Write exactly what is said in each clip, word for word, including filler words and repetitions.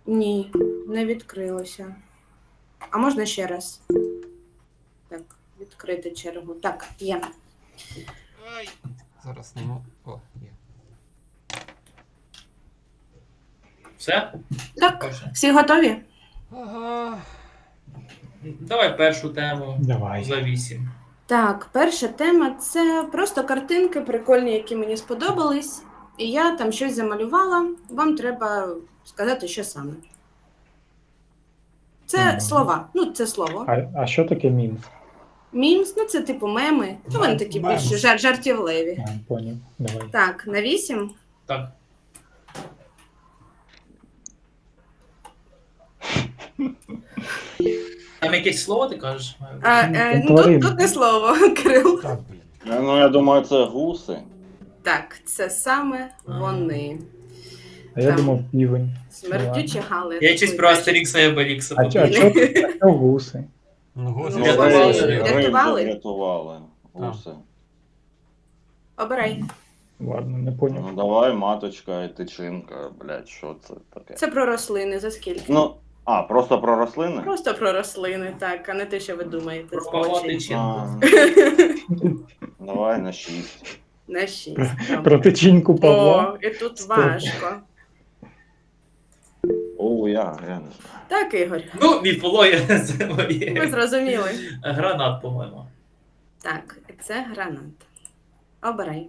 Ні, не відкрилося. А можна ще раз? Так, відкрити чергу. Так, є. Зараз не можу. О, є. Все? Так, Перше. всі готові? Ага. Давай першу тему. Давай. За вісім. Так, перша тема – це просто картинки прикольні, які мені сподобались. І я там щось замалювала. Вам треба сказати, що саме. Це Мгм. слова. Ну, це слово. А, а що таке мімс? Мімс, ну це типу меми. Ну, вони такі Мемс. більш жар- жартівливі. А, поняв. Давай. Так, на вісім. Так. Там якесь слово ти кажеш? А, е, ну, Тварин. тут, тут не слово, Кирил. Так, блін. Ну, я думаю, це гуси. Так, це саме вони. А я Там. думав півень. Смердючі гали. Я щось про Астерікса і Обелікса А, чо- а подумав. чо а чо гуси? Ну, гуси Ну, Рятували. рятували. рятували. Рятували? Рятували. Гуси. Обирай. Ладно, не поняв. Ну давай, маточка і тичинка, блядь, що це таке? Це про рослини, за скільки? Ну, а, просто про рослини? Просто про рослини, так, а не те, що ви думаєте. Про з Павла очей. Тичинку. А, давай на шість. На шість. там. Про тичинку Павла. О, і тут Стоп. важко. О, я, я не знаю. Так, Ігор, Ну, відполоє це ви моє. зрозуміли. Гранат, по-моєму. Так, це гранат. Обирай.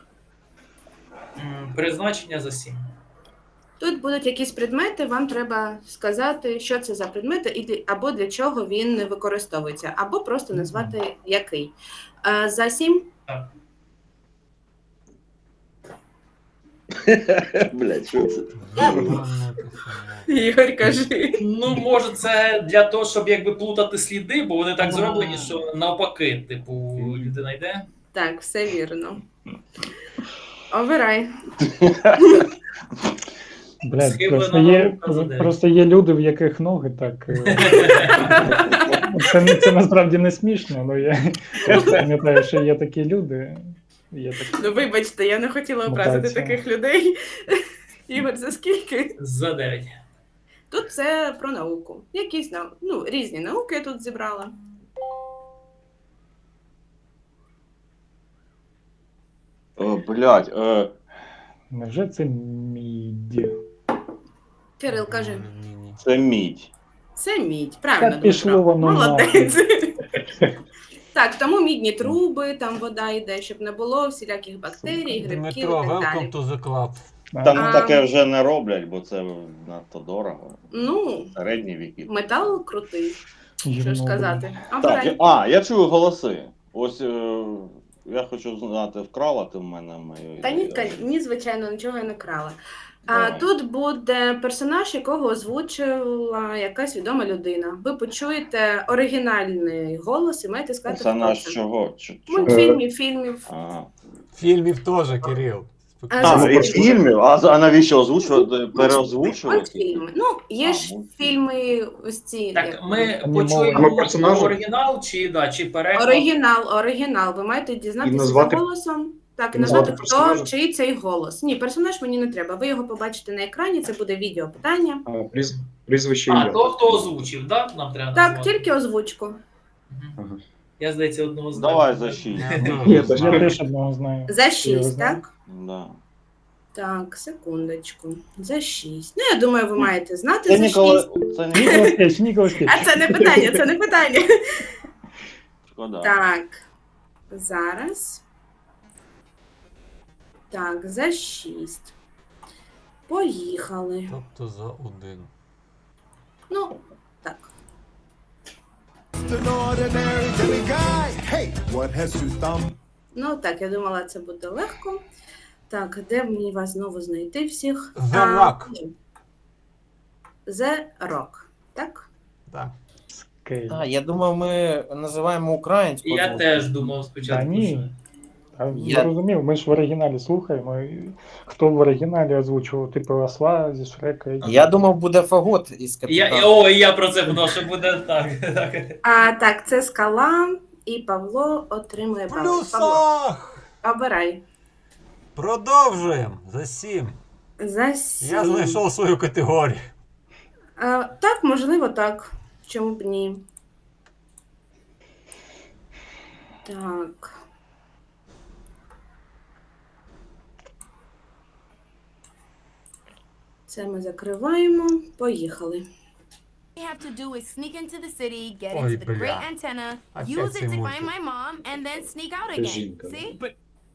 М, Призначення за сім. Тут будуть якісь предмети, вам треба сказати, що це за предмети, і для- або для чого він використовується, або просто назвати який. Е, За сім? Так. Блядь, що це? Ігор, кажи. Ну, може, це для того, щоб якби плутати сліди, бо вони так зроблені, що навпаки, типу, людина йде. Так, все вірно. Обирай. Блядь, Схиблена просто є, наука за дев'ять. просто є люди, в яких ноги так. е, Це, не- це насправді не смішно, але я теж пам'ятаю, що є такі люди. Є такі. Ну, вибачте, я не хотіла образити Мутація. таких людей. Ігор, за скільки? За дев'ять. Тут це про науку. Якісь нау... ну, різні науки я тут зібрала. О, блядь, е, Невже це мідь? Кирил, кажи. Ні-ні. це мідь. Це мідь. Правильно, Та пішло Дмитро. воно Молодець. Так, тому мідні труби, там вода йде, щоб не було всіляких бактерій, грибків і Дмитро, так welcome далі. to the club. Там А. таке вже не роблять, бо це надто дорого. Ну, Середні віки. метал крутий, що ж Гівно, сказати. Так, я- Обирай. а, я чую голоси. Ось е, я хочу знати, вкрала ти в мене мою. Та ні, ка- ні, звичайно, нічого я не крала. А Давай. тут буде персонаж, якого озвучила якась відома людина. Ви почуєте оригінальний голос і маєте сказати, Персонаж хто це. чого? Ч- чого? Мультфільмів, фільмів. Ага. Фільмів теж, Кирил. А, А, за і скільки? фільмів? А, за- а навіщо озвучувати? Переозвучувати? Мультфільми. Ну, є А, ж мультфільми. фільми ось ці. Так, як- ми Анімовані. почуємо А ми персонажі? оригінал чи, да, чи переклад. Оригінал, оригінал. Ви маєте І дізнатися назвати- голосом. Так, і і назвати назвати, хто, персонажа? чий цей голос. Ні, персонаж мені не треба. Ви його побачите на екрані, це буде відео питання. А, пріз... Прізвище А, ім'я. то, хто озвучив, да? Нам треба Так, назвати? тільки озвучку. Мгм. Ага. Я, здається, одного знаю. Давай за шість. Я теж. Я теж одного знаю. За його шість, знаю. так? Да. Так, секундочку. За шість. Ну, я думаю, ви маєте знати Це за Нікола... шість. Це Ніколас не Кейдж, Ніколас Кейдж. А це не питання, це не питання. шкода. Так, зараз. Так, за шість. Поїхали. Тобто за один. Ну, так. An ordinary Jimmy guy. Hey, what has two thumbs? Ну, так, я думала, це буде легко. Так, де мені вас знову знайти всіх? The А, Rock. ні. The Rock, так? Так. Кейдж. А, я думав, ми називаємо українську. Я озвучку. теж думав Та спочатку. ні. що- А Я- зрозумів, ми ж в оригіналі слухаємо. і Хто в оригіналі озвучував, типу осла зі Шрека. і- Я думав, буде фагот із Я, капітана. о, і я про це подумав, що буде так. так. А, так, це скала, і Павло отримує бали. Павло, Плюсах! обирай. Продовжуємо. За сім. За сім. Я знайшов свою категорію. А, так, можливо, так. Чому б ні? Так. Це ми закриваємо. Поїхали. you have to do is sneak into the city, get Ой, into the great бля. antenna, Опять use it цей to мультик. find my mom, and then sneak out again. жінка, да. See?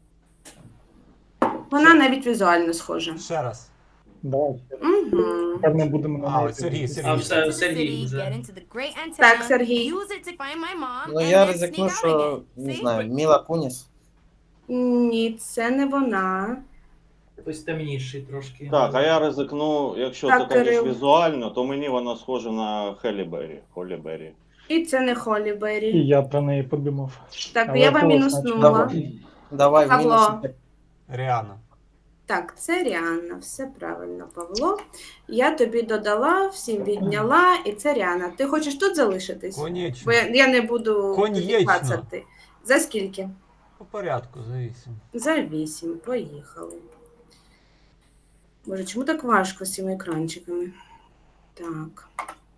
Вона навіть візуально схожа. Ще раз. Давай. Угу. Тепер ми будемо на А, неї ось Сергій, дивитися. Сергій. А Sneak все, into the Сергій city, вже. get into the great antenna, Так, Сергій. use it to find my mom, Ну and я then ризикну, sneak out що again. не See? знаю, Міла Куніс. Ні, це не вона. Хтось темніший трошки. Так, а я ризикну, якщо Так, ти кажеш Кирил. візуально, то мені вона схожа на Хелі Беррі. Холі Беррі. І це не Холі І Беррі. я про неї подумав. Так, Але я вам голос мінуснула. Давай, давай в Павло. мінус. Ріана. Так, це Ріанна, все правильно, Павло. Я тобі додала, всім відняла, і це Ріанна. Ти хочеш тут залишитись? Бо Конечно. я, я не буду Конечно. клацати. За скільки? По порядку, завісім. За вісім. Поїхали. Боже, чому так важко з цими екранчиками? Так.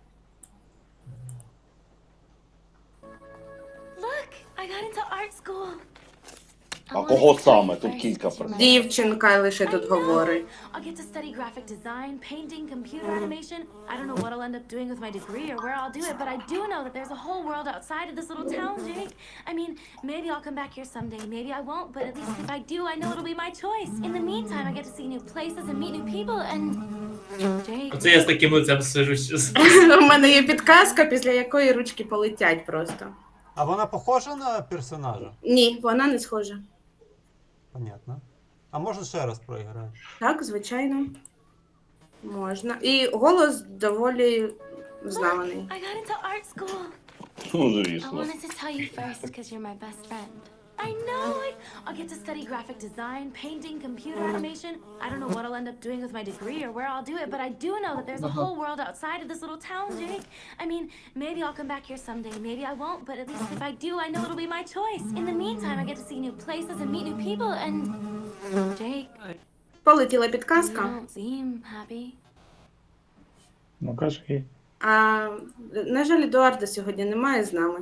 Look, I got into art school. А кого саме? Тут кілька персон. Дівчинка лише тут говорить. I'll get to study graphic design, painting, computer animation. I don't know what I'll end up doing with my degree or where I'll do it, but I do know that there's a whole world outside of this little town, Jake. I mean, maybe I'll come back here someday, maybe I won't, but at least if I do, I know it'll be my choice. In the meantime, I get to see new places and meet new people and... Jake... Оце я з таким лицем сижу. щас. У мене є підказка, після якої ручки полетять просто. А вона похожа на персонажа? Ні, вона не схожа. Понятно. А можна ще раз проіграти? Так, звичайно. Можна. І голос доволі взнаваний. I got into art school. Ну, I звісно. wanted to tell you first because you're my best friend. I know it. I'll get to study graphic design, painting, computer animation. I don't know what I'll end up doing with my degree or where I'll do it, but I do know that there's a whole world outside of this little town, Jake. I mean, maybe I'll come back here someday, maybe I won't, but at least if I do, I know it'll be my choice. In the meantime, I get to see new places and meet new people and... Jake, Полетіла you підказка. don't seem happy. Ну кажи. А, на жаль, Едуарда сьогодні немає з нами.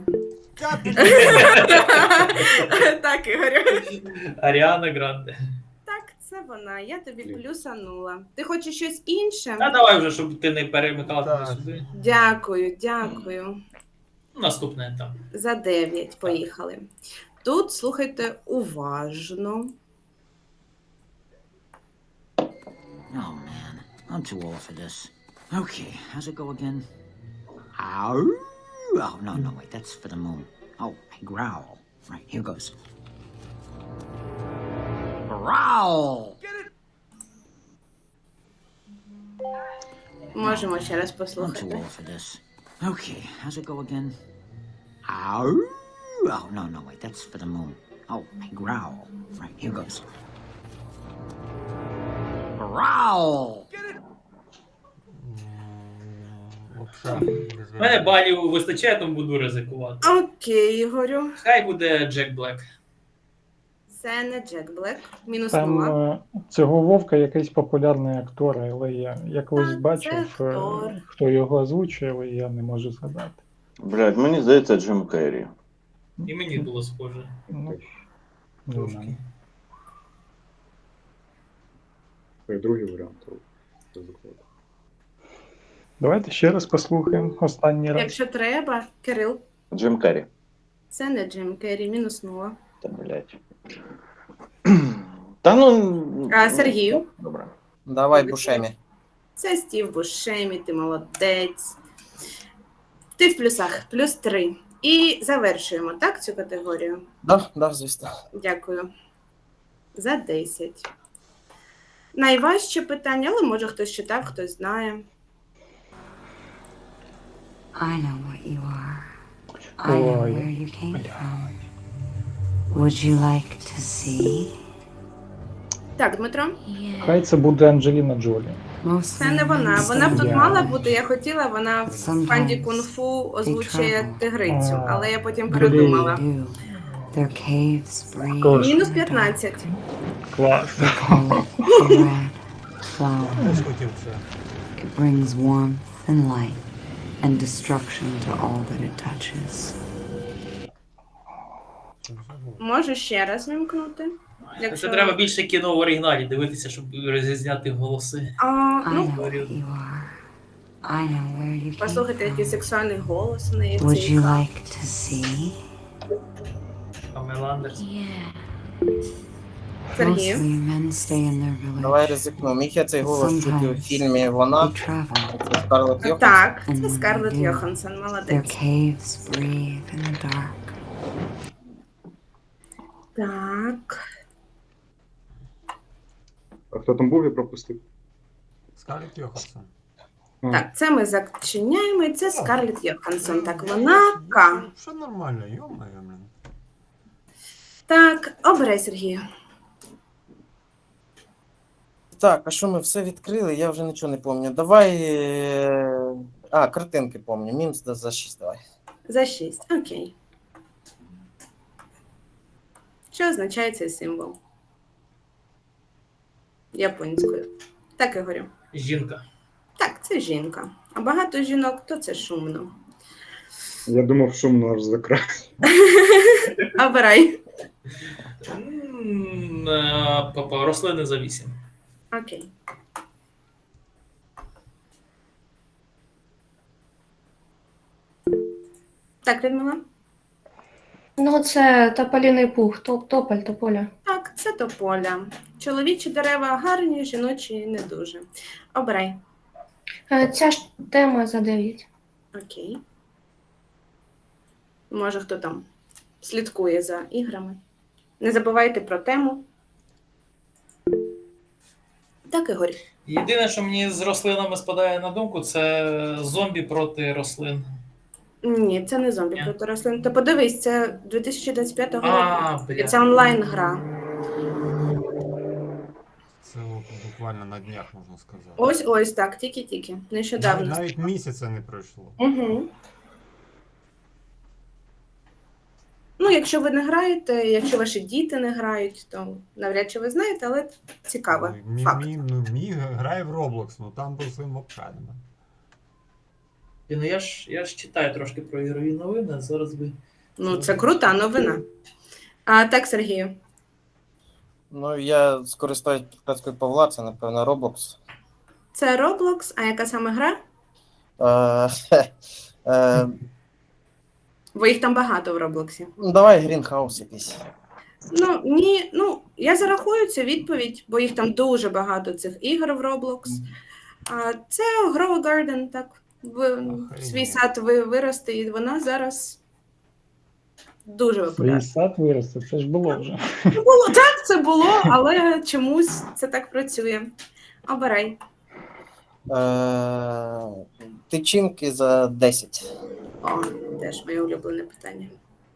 Так, Ігорю. Аріана Гранде. Так, це вона. Я тобі плюсанула. Ти хочеш щось інше? Та давай вже, щоб ти не перемикала Так. туди-сюди. Дякую, дякую. Наступне там. За дев'ять. Поїхали. Тут слухайте уважно. Oh man, I'm too old for this. Okay, how's it go again? Ow! Oh, no, no, wait, that's for the moon. Oh, I growl. Right, here goes. Growl! Можемо ще раз I'm too послухати. old for this. Okay, how's it go again? Ow! Oh, no, no, wait, that's for the moon. Oh, I growl. Right, here goes. Growl! Лапша. У мене балів вистачає, тому буду ризикувати. Окей, Ігорю. Хай буде Джек Блек. Це не Джек Блек. Мінус Там нула. е, цього Вовка якийсь популярний актор, але я, я колись Так, бачив, це е, актор. хто його озвучує, але я не можу згадати. Блядь, мені здається, Джим Керрі. І мені було схоже. Ну, не Трошки. знаю. Другий варіант. ризикувати. Давайте ще раз послухаємо останній раз. Якщо треба, Кирил. Джим Керрі. Це не Джим Керрі, мінус нула. Та, блядь. Та ну... А Сергію? Добре. Давай Бушемі. Це Стів Бушемі, ти молодець. Ти в плюсах, плюс три. І завершуємо, так, цю категорію? Да, да, звісно. Дякую. За десять. Найважче питання, але може хтось читав, хтось знає. I know what you are. I know Ой, where you came from. Would you like to see? Так, Дмитро, Хай це буде Анджеліна Джолі. це не вона. Вона б тут мала бути, я хотіла, вона в панді кунг-фу озвучує тигрицю, але я потім передумала. Their caves breathe. Мінус п'ятнадцять. Клас. They call it a red flower. Я ж хотів це. It brings warmth than light, and destruction to all that it touches. Можу ще раз вимкнути. Якщо... Це треба більше кіно в оригіналі дивитися, щоб розрізняти голоси. А, I ну, know who you are. I know where you came послухайте, який from. сексуальний голос у неї. в Would цій you кадрі. like to see? Памела Андерс. Yeah. Сергію. Mostly men stay in their village. Давай ризикну. Міг я цей голос чути у фільмі «Вона». They travel. Це Скарлетт Йоханссон. Так, And це when Скарлетт they do, Йоханссон, Their молодець. caves breathe in the dark. Так. А хто там був, я пропустив? Скарлетт Йоханссон. А, Так, це ми зачиняємо, і це Скарлетт Йоханссон. Так, вона К. Що нормально, йо-моє, блін. Так, обирай, Сергію. Так, а що ми все відкрили? Я вже нічого не пам'ятаю. Давай. е, А, картинки пам'ятаю. Мімс да, за шість давай. За шість. Окей. Що означає цей символ? Японською. Так, Ігорю. Жінка. Так, це жінка. А багато жінок, то це шумно. Я думав, шумно аж за край. Обирай. М, е, Папа, рослини за вісім. Окей. Так, Людмила? Ну, це тополіний пух, топ, тополь, тополя. Так, це тополя. Чоловічі дерева гарні, жіночі не дуже. Обирай. Е, Ця ж тема за дев'ять. Окей. Може, хто там слідкує за іграми. Не забувайте про тему. Так, Ігор. Єдине, що мені з рослинами спадає на думку, це зомбі проти рослин. Ні, це не зомбі Ні. проти рослин. Та подивись, це дві тисячі двадцять п'ятого А, року. І бля. це онлайн-гра. Це от буквально на днях, можна сказати. Ось ось так, тільки-тільки. Навіть, Нещодавно. навіть місяця не пройшло. Угу. Ну, якщо ви не граєте, якщо ваші діти не грають, то навряд чи ви знаєте, але цікаво. Ой, Мі, Факт. мі, ну, мі грає в Roblox, ну там рослин взагалі нема. Ну, я ж, я ж читаю трошки про ігрові новини, а зараз би. Ну, це крута новина. А так, Сергію. Ну, я скористаюсь підказкою Павла, це, напевно, Roblox. Це Roblox, а яка саме гра? Е, хе, е, Бо їх там багато в Роблоксі. ну, давай Greenhouse якийсь. Ну, ні, ну, я зарахую цю відповідь, бо їх там дуже багато цих ігор в Roblox. А це Grow a Garden, так. В, Охренеть. свій сад ви, виросте, і вона зараз дуже Свій популярна. сад виросте, це ж було вже. Ну, було, так, це було, але чомусь це так працює. Обирай. Е, Тичинки за десять. О, теж моє улюблене питання.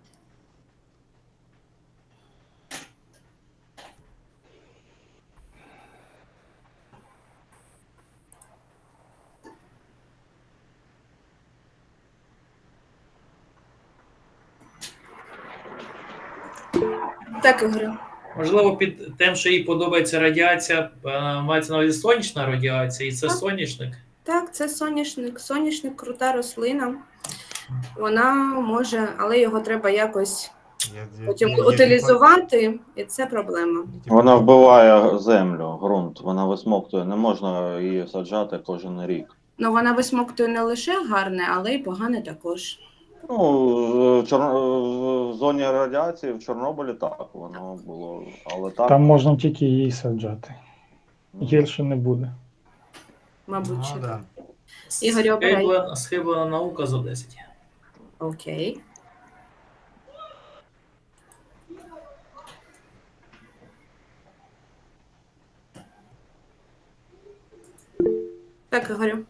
Так, Ігорю. Можливо, під тим, що їй подобається радіація, е, мається на увазі сонячна радіація, і це Так. соняшник. Так, це соняшник. Соняшник крута рослина. Вона може, але його треба якось Я, я, потім я- я- утилізувати, і це проблема. я- Вона вбиває землю, ґрунт, вона висмоктує, не можна її саджати кожен рік. Ну, вона висмоктує не лише гарне, але й погане також. Ну, в, Чор- в зоні радіації в Чорнобилі так воно було, але так. Там можна тільки її саджати. Гірше не буде. Мабуть, Ну, що да. так. Ігорю, обирай. Схиблена, схиблена наука за десять. Окей. Так, Ігорю.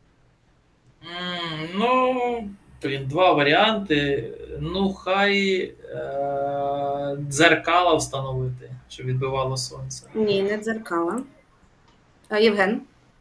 М, Ну, блін, два варіанти. Ну, хай е- дзеркала встановити, щоб відбивало сонце. Ні, не дзеркала. А, Євген,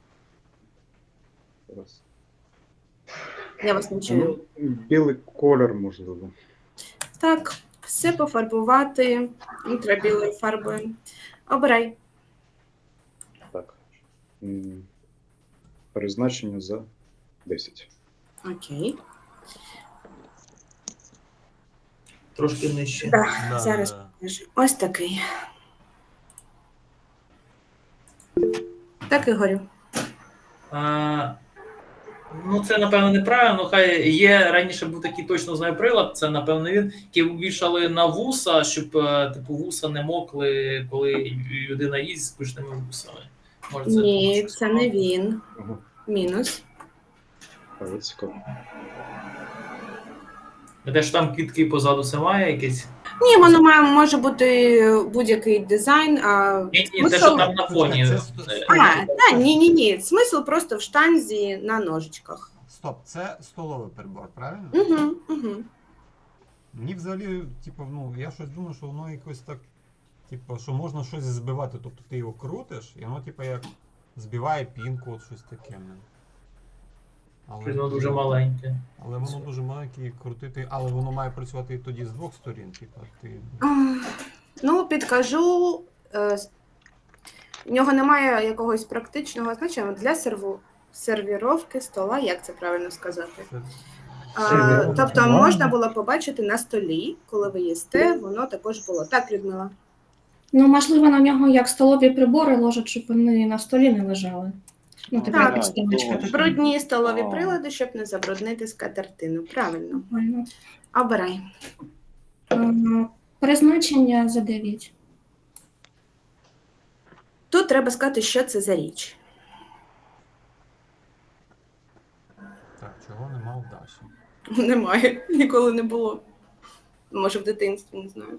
Раз. я вас не чую. Ну, білий колір, можливо. Так, все пофарбувати ультрабілою фарбою. Обирай. Так. М, Призначення за десять. Окей. Трошки нижче. Так, Да, зараз да. покажу. Ось такий. Так, Ігорю. А, ну, це, напевно, неправильно. Ну, хай є, раніше був такий точно знаю прилад, це, напевно, він, який вішали на вуса, щоб, е, типу, вуса не мокли, коли людина їсть з пишними вусами. Може, це Ні, щось це не подобне? він. Ага. Мінус. Але цікаво. Те, що там квітки позаду, це має якесь? Ні, воно має, може бути будь-який дизайн, а Ні, ні, те, смисл... що там на фоні. Це сто- Е, А, так, ні-ні-ні. Смисл просто в штанзі на ножичках. Стоп, це столовий прибор, правильно? Угу, угу. Мені взагалі, типу, ну, я щось думаю, що воно якось так, типу, що можна щось збивати. Тобто ти його крутиш, і воно, типу, як збиває пінку, от щось таке. ну. Але, Воно дуже маленьке. але воно дуже маленьке і крутити, але воно має працювати і тоді з двох сторін, типу, ти. А, Ну, підкажу, е, в нього немає якогось практичного значення для серву... сервіровки стола, як це правильно сказати. Це... А, Сервіровка. тобто Ладно. можна було побачити на столі, коли ви їсте, воно також було. Так, Людмила? Ну, можливо, на нього як столові прибори ложать, щоб вони на столі не лежали. Ну, типу, Так, як підставочка. точно. Брудні столові А. прилади, щоб не забруднити скатертину. Правильно. Нормально. Обирай. Е, Призначення за дев'ять. Тут треба сказати, що це за річ. Так, чого нема в Даші? Немає, ніколи не було. Може, в дитинстві, не знаю.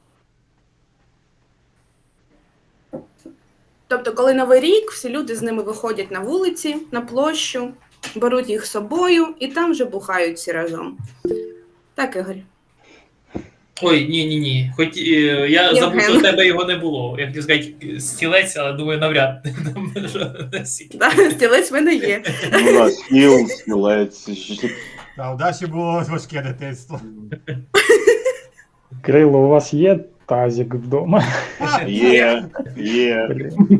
Тобто, коли Новий рік, всі люди з ними виходять на вулиці, на площу, беруть їх з собою і там вже бухають всі разом. Так, Ігор? Ой, ні, ні, ні. Хоч е, я Євген. забув, що в тебе його не було. Я хотів сказати стілець, але думаю, навряд. Там, що, настільки. Да, стілець в мене є. Ну, да, стіл, стілець. Та у Даші було важке дитинство. Крило, у вас є тазик вдома? Є, є. Блін.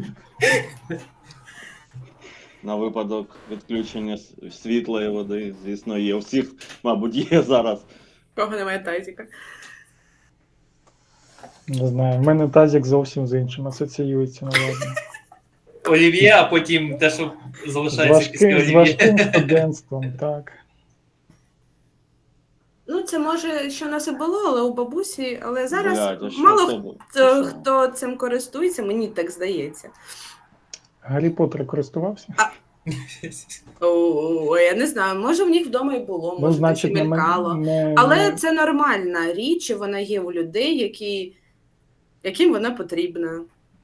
На випадок відключення с- світла і води, звісно, є. У всіх, мабуть, є зараз. Кого немає тазіка. Не знаю, в мене тазик зовсім з іншим асоціюється, напевно. Олів'є, а потім те, що З залишається після важким, з олів'є. важким студентством, так. Ну, це може, що в нас і було, але у бабусі, але зараз Блядь, а що мало це хто, було? Це що? хто цим користується, мені так здається. Гаррі Поттер користувався? О, я не знаю, може в них вдома і було, Ну, може значить, десь і не, мелькало. не, Але не- це нормальна річ, і вона є у людей, які, яким вона потрібна.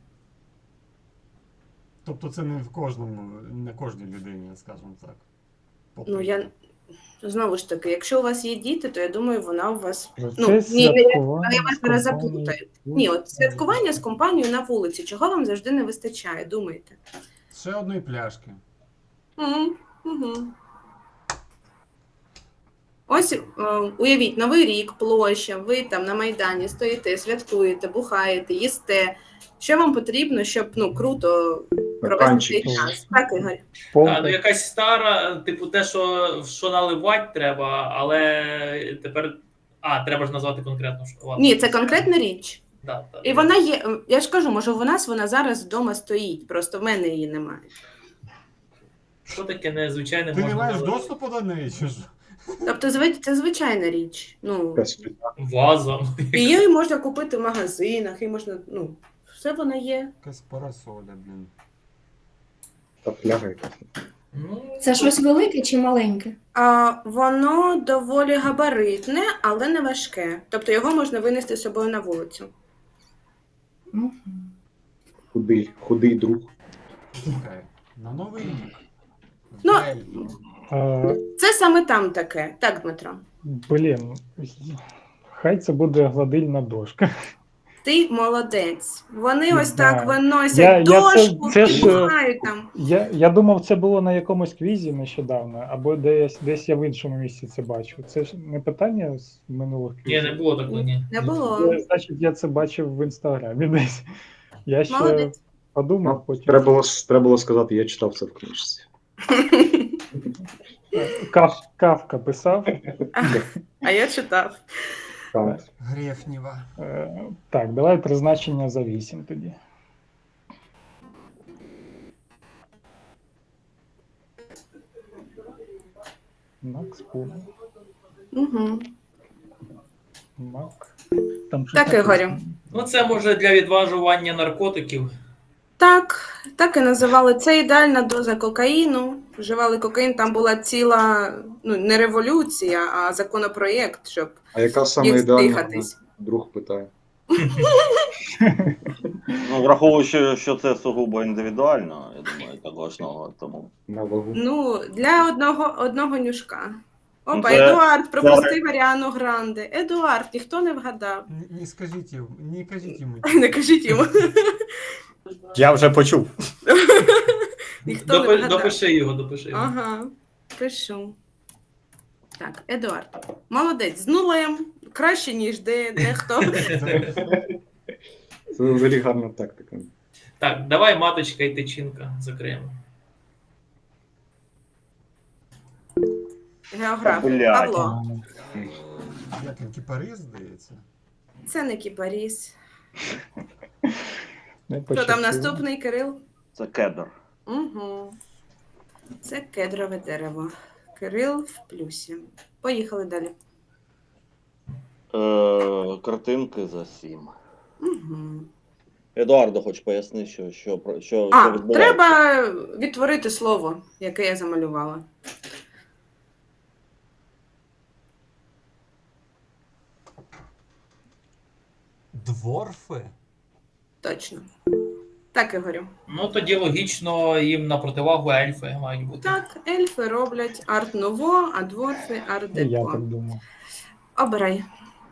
Тобто це не в кожному, не кожній людині, скажімо так. Ну, я знову ж таки, якщо у вас є діти, то я думаю, вона у вас. Процес Ну, ні, ні, святкування я вас з зараз компанією. заплутаю. Ні, от святкування з компанією на вулиці. Чого вам завжди не вистачає? Думайте. Ще одної пляшки. Угу, угу. Ось е, уявіть, Новий рік, площа, ви там на Майдані стоїте, святкуєте, бухаєте, їсте. Що вам потрібно, щоб ну, круто провести цей Стаканчик. час? Так, Ігор? А, ну, Полка. якась стара, типу, те, що, що наливати треба, але тепер. А, треба ж назвати конкретно, що. Ладно. Ні, це конкретна річ. Да, да. І вона є, я ж кажу, може, у нас вона зараз вдома стоїть, просто в мене її немає. Що таке незвичайне Ти не можна маєш налити? доступу до неї, чи що? Тобто, зви- це звичайна річ. Ну, Якась плита. Ваза. і її можна купити в магазинах, і можна, ну, все вона є. Якась парасоля, блін. Та фляга якась. Ну, Це щось велике чи маленьке? А, воно доволі габаритне, але не важке. Тобто його можна винести з собою на вулицю. Мгм. Худий, худий друг. Чекай, на Новий рік. В Ну, Бельгії. А, Це саме там таке. Так, Дмитро. блін, хай це буде гладильна дошка. Ти молодець. Вони ось Да. так виносять Я- я це- дошку, це ж, е, бухають там. Я, я думав, це було на якомусь квізі нещодавно, або десь, десь я в іншому місці це бачив. Це ж не питання з минулих Ні, квізів. не було такого, ні. Не було. Я, значить, я це бачив в інстаграмі десь. Я ще Молодець. подумав, Ну, потім. Треба було, треба було сказати, я читав це в книжці. Е, Кав, Кавка писав. А я читав. Кант. Грефнєва. Е, Так, давай призначення за вісім тоді. Макс Пул. Угу. Мак. Там щось Так, Ігорю. написано. Ну, це може для відважування наркотиків. Так, так і називали. Це ідеальна доза кокаїну. Вживали кокаїн, там була ціла, ну, не революція, а законопроєкт, щоб А яка саме їх ідеальна? здихатись. Друг питає. Ну, враховуючи, що це сугубо індивідуально, я думаю, так важного, тому. На вагу. Ну, для одного, одного нюшка. Опа, Ну, це- Едуард пропустив Аріану Гранде. Едуард, ніхто не вгадав. Не, не скажіть йому, не кажіть йому. Не кажіть йому. Я вже почув. Ніхто не Допи- вгадав. допиши його, допиши його. Ага, пишу. Так, Едуард. Молодець, з нулем. Краще, ніж де, дехто. Це взагалі гарна тактика. Так, давай маточка і тичинка закриємо. Географ. Блядь. Павло. Як він кіпарис, здається. Це не кіпаріс. Не Хто там пощастило. наступний, Кирил? Це кедр. Угу. Це кедрове дерево. Кирил в плюсі. Поїхали далі. Е, картинки за сім. Угу. Едуардо, хоч поясни, що, що, про- що, А, що відбувається. треба відтворити слово, яке я замалювала. Дворфи? Точно. Так, Ігорю. Ну, тоді логічно їм на противагу ельфи мають бути. Так, ельфи роблять арт-ново, а дворфи Я арт-деко. так думав. Обирай.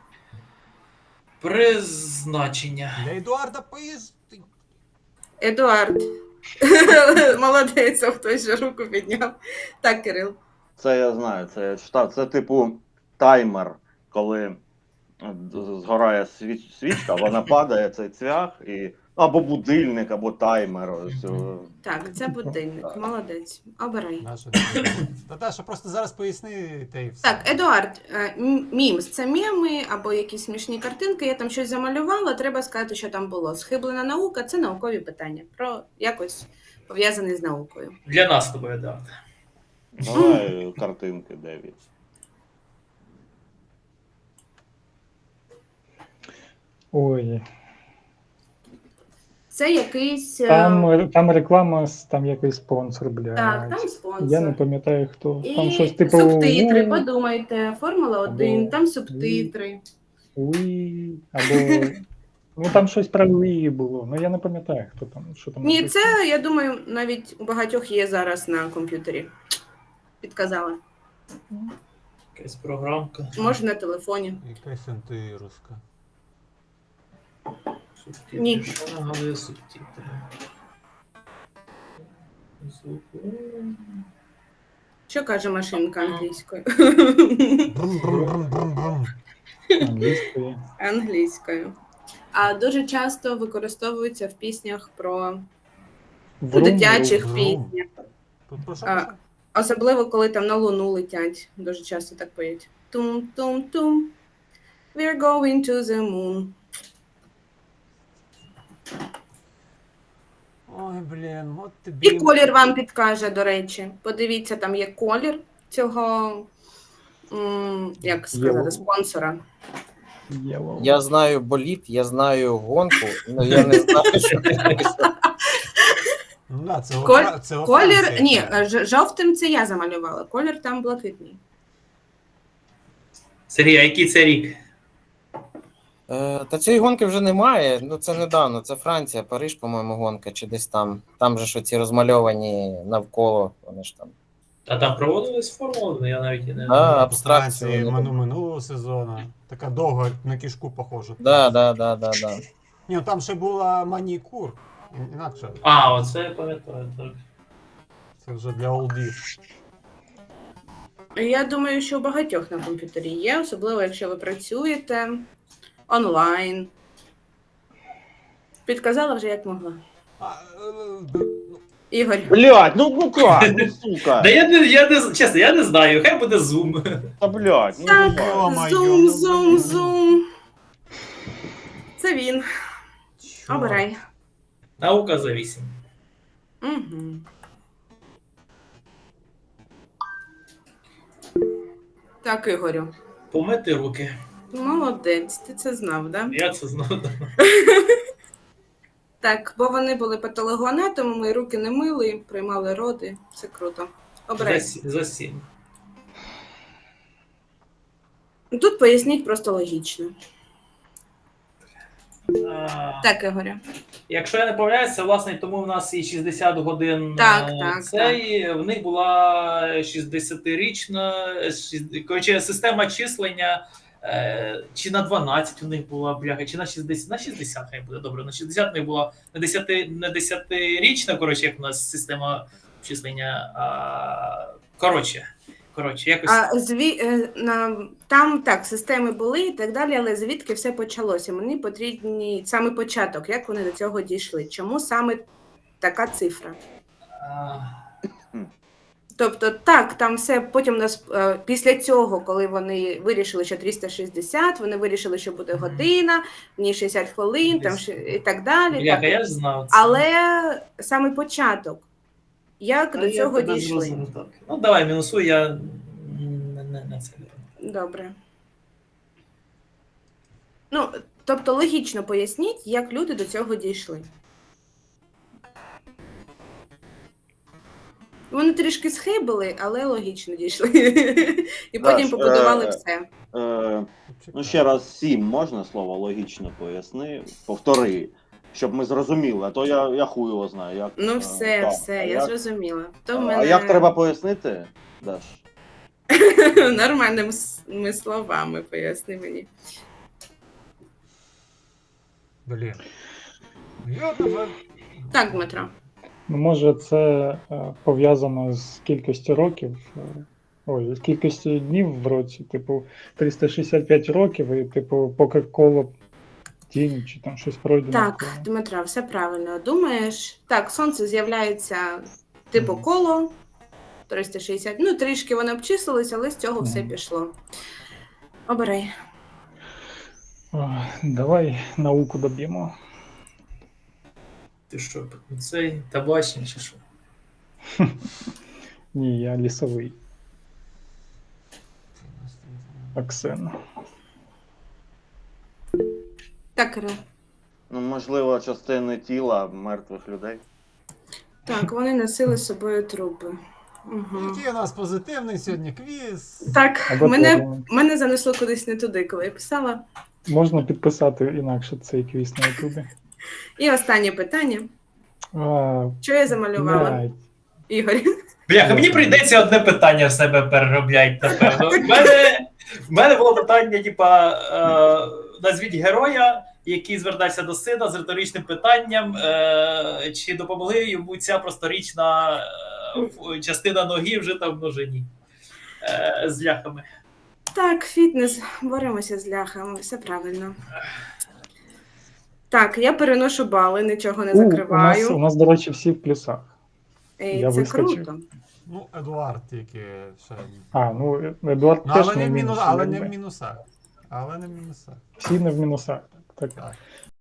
Призначення. Для Едуарда поїзд. Едуард. Молодець, а хтось же руку підняв. Так, Кирил. Це я знаю, це я читав. Це типу таймер, коли згорає свіч, свічка, вона падає, цей цвях, і або будильник, або таймер. Ось, о. Так, це будильник. Молодець. Обирай. Наша. Наташа, просто зараз поясни та й все. Так, Едуард, е, м- мімс це меми або якісь смішні картинки. Я там щось замалювала, треба сказати, що там було. Схиблена наука це наукові питання. Про якось пов'язаний з наукою. Для нас з тобою, так. Давай картинки дев'ять. Ой, Це якийсь. е, там, там реклама, з- там якийсь спонсор, блядь. Так, там спонсор. Я не пам'ятаю хто. І Там щось типу. субтитри, «У, подумайте, Формула один, Або там субтитри. уї», або. Ну там щось про Уї було. Ну я не пам'ятаю, хто там, що там. Ні, написано. це, я думаю, навіть у багатьох є зараз на комп'ютері. Підказала. Якась програмка. Може на телефоні. Якась антируска. Субтитри. Ні. Що нагадує субтитри? Звук. Що каже машинка англійською? Брум-брум-брум-брум-брум. Англійською. Англійською. А дуже часто використовується в піснях про у Врум, дитячих врум. піснях. Тут про що А, пише? Особливо, коли там на луну летять. Дуже часто так поють. Тум-тум-тум. We're going to the moon. Ой, блін, от тобі. І колір вам підкаже, до речі. Подивіться, там є колір цього, м, як сказати, Єлоу. спонсора. Yellow. Я знаю боліт, я знаю гонку, але я не знаю, що це. Ну, да, це, Коль- Фра- це во Колір, Франції. ні, ж- жовтим це я замалювала. Колір там блакитний. Сергій, а який це рік? Е, Та цієї гонки вже немає. Ну це недавно. Це Франція, Париж, по-моєму, гонка, чи десь там. Там же ж ці розмальовані навколо. Вони ж там. А там проводились формули? Я навіть і не Да, знаю. По абстракції. Франції вони мину- минулого сезону. Така довга на кішку похожа. Да, да, да, да, да. Ні, ну там ще була манікур. Ін- Інакше. А, оце я пам'ятаю, так. Це вже для олдів. Я думаю, що у багатьох на комп'ютері є, особливо якщо ви працюєте онлайн. Підказала вже як могла. А, е, Ігор. Блядь, ну ну как, ну сука. Да я не, я не, чесно, я не знаю, хай буде зум. Та блядь, ну Так, давай. зум, зум, зум. Це він. Обирай. Наука за вісім. Угу. Так, Ігорю. Помити руки. Молодець, ти це знав, так? Да? Я це знав. Так, бо вони були патологоанатомами, руки не мили, приймали роди. Все круто. Обирай. За, сі- за сім. Тут поясніть просто логічно. А, Так, Ігорю. Якщо я не помиляюся, власне, тому в нас і шістдесят годин Так, е, так, цей, в них була шістдесятирічна, шість- коротше, система числення, е, чи на дванадцять у них була, бляха, чи на шістдесят, на шістдесят хай буде, добре, на шістдесят в них була не десяти, не десятирічна, коротше, як у нас система числення, а, коротше, коротше, якось... А зві... е, на... Там так, системи були і так далі, але звідки все почалося? Мені потрібні саме початок, як вони до цього дійшли. Чому саме така цифра? а, Тобто, так, там все потім нас е, після цього, коли вони вирішили, що триста шістдесят, вони вирішили, що буде година, в ній шістдесят хвилин, там ще і так далі. бляха, так. я ж знав це. Але саме початок, як А до я цього тебе дійшли. зрозумів, так. Ну, давай, мінусуй, я не, не, не це. Добре. Ну, тобто логічно поясніть, як люди до цього дійшли. Вони трішки схибили, але логічно дійшли. І потім Даш, побудували е, все. Е, ну ще раз сім можна слово логічно поясни, повтори, щоб ми зрозуміли, а то я, я хуй його знаю. Як, Ну е, все, так, все, а я як- зрозуміла. То в А мене як треба пояснити, Даш? нормальними с- словами поясни мені. Блін. Я тебе... Так, Дмитро. Ну, може, це е, пов'язано з кількістю років, е, ой, з кількістю днів в році, типу, триста шістдесят п'ять років, і, типу, поки коло тінь чи там щось пройде. Так, Дмитро, все правильно думаєш. Так, сонце з'являється типу коло триста шістдесят. Ну, трішки вони обчислились, але з цього все Мгм. пішло. Обирай. Ой, давай науку доб'ємо. Ти що, цей табачний чи що? Ні, я лісовий. Аксен. Так, Іра. Ну, можливо, частини тіла мертвих людей. Так, вони носили з собою трупи. Угу. Який у нас позитивний сьогодні квіз. Так, Або мене, теорія. мене занесло кудись не туди, коли я писала. Можна підписати інакше цей квіз на Ютубі. І останнє питання. А, Що я замалювала? блядь. Ігор. Бляха, мені прийдеться одне питання в себе переробляти, напевно. В мене, в мене було питання, типа, е, назвіть героя, який звертався до сина з риторичним питанням, е, чи допомогли йому ця просторічна е, ф- частина ноги вжита в множині е, з ляхами. Так, фітнес, боремося з ляхами, все правильно. Так, я переношу бали, нічого не У, у, нас, закриваю. у нас, до речі, всі в плюсах. Ей, я це вискочив. круто. Ну, Едуард тільки ще. А, ну Едуард Ну, теж але не не в в мінус, мінусі. але не якби. в мінусах. Але не в мінусах. Всі не в мінусах. Так. Так.